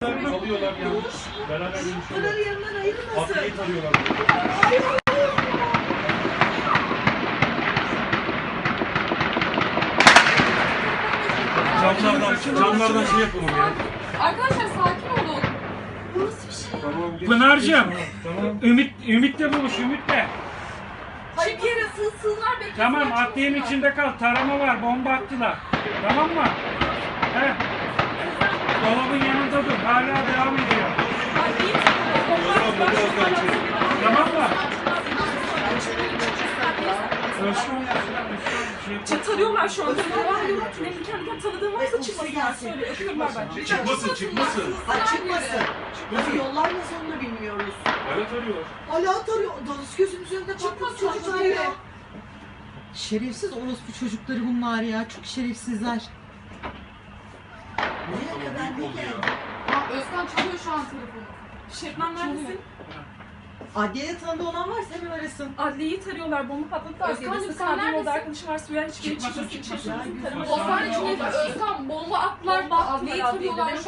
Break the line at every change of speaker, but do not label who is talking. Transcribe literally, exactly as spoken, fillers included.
Alıyorlar ya. Beraber görüşüyorlar.
Bunları yanından ayırmasın.
Atlayı tarıyorlar. Camlardan, camlardan şey yapalım ya.
Arkadaşlar sakin olun.
Bu nasıl bir şey?
Tamam. geç,
Pınar'cığım,
geç, Tamam.
Ümit, Ümit'le buluş, Ümit'le.
Hayır bir yere sığsınlar beklesinler.
Tamam, atlayın içinde kal. Tarama var, bomba attılar. Tamam mı? He. Dolabın yanında dur, hala devam ediyor. Tamam mı? Özkan,
Çatarıyorlar şu anda. Ben diyorum ki benim kendi kendi tanıdığım varsa çıkmasınlar. Söyle öpüyorlar bence.
Çıkmasın, çıkmasın.
Ha çıkmasın. Nasıl yollar nasıl onu da bilmiyoruz.
Evet arıyorlar.
Hala tarıyor. Dalış gözümüzün önünde patladı çocuklar ya.
Şerefsiz orospu çocukları bunlar ya. Çok şerefsizler.
Nereye kadar ne geldi?
Özkan çalıyor şu an telefonu. Şebnem neredesin?
Adliyede tanıdığı olan varsa hemen arasın.
Adliyeyi tarıyorlar, bomba patladı. Özkan'cığım sen neredesin? Arkadaşım var, Süren hiçbir yere çıkmasın.
çıkmasın.
Osman içinde Özkan bomba attılar, adliyeyi tarıyorlar.